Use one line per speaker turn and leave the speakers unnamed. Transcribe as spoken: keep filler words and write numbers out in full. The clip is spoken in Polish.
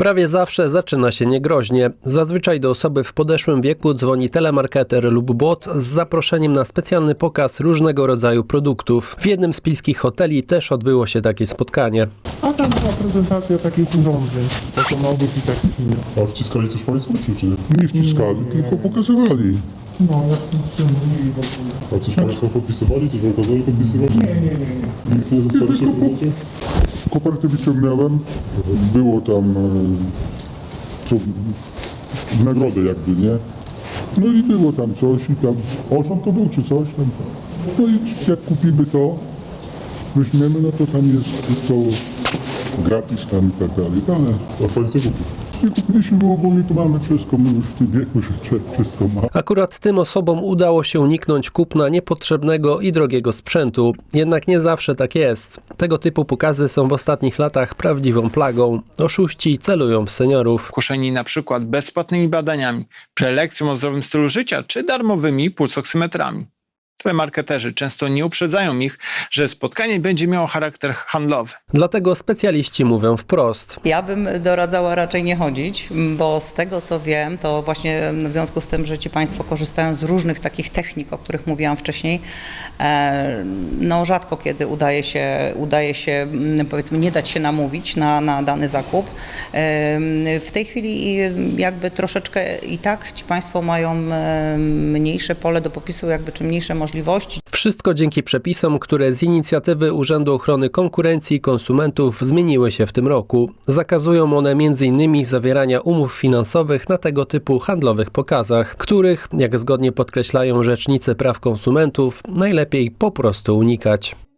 Prawie zawsze zaczyna się niegroźnie. Zazwyczaj do osoby w podeszłym wieku dzwoni telemarketer lub bot z zaproszeniem na specjalny pokaz różnego rodzaju produktów. W jednym z pilskich hoteli też odbyło się takie spotkanie.
A tam była prezentacja takich urządzeń, automatów i takich innych.
A wciskali coś Państwo, czy, czy nie?
Nie wciskali, tylko pokazywali.
No, jak to w tym mówili w ogóle.
A coś Państwo podpisywali? Coś Wam kazali podpisywać?
Nie, nie, nie, nie.
Nic nie zostaliście w prezencie?
Kopertę wyciągnąłem, było tam e, co, w nagrodę jakby, nie? No i było tam coś i tam, osiem to był czy coś tam. No i jak kupimy to, weźmiemy, no to tam jest to gratis tam i tak dalej, ale
A Państwo kupi.
nie kupiliśmy, bo ogólnie to mamy wszystko, my już w tym wieku, że człowiek wszystko ma.
Akurat tym osobom udało się uniknąć kupna niepotrzebnego i drogiego sprzętu. Jednak nie zawsze tak jest. Tego typu pokazy są w ostatnich latach prawdziwą plagą. Oszuści celują w seniorów.
Kuszeni na przykład bezpłatnymi badaniami, prelekcją o zdrowym stylu życia czy darmowymi pulsoksymetrami. Telemarketerzy często nie uprzedzają ich, że spotkanie będzie miało charakter handlowy.
Dlatego specjaliści mówią wprost.
Ja bym doradzała raczej nie chodzić, bo z tego co wiem, to właśnie w związku z tym, że ci Państwo korzystają z różnych takich technik, o których mówiłam wcześniej, no rzadko kiedy udaje się, udaje się powiedzmy nie dać się namówić na, na dany zakup. W tej chwili jakby troszeczkę i tak ci Państwo mają mniejsze pole do popisu, jakby czy mniejsze możliwości.
Wszystko dzięki przepisom, które z inicjatywy Urzędu Ochrony Konkurencji i Konsumentów zmieniły się w tym roku. Zakazują one między innymi zawierania umów finansowych na tego typu handlowych pokazach, których, jak zgodnie podkreślają rzecznicy praw konsumentów, najlepiej po prostu unikać.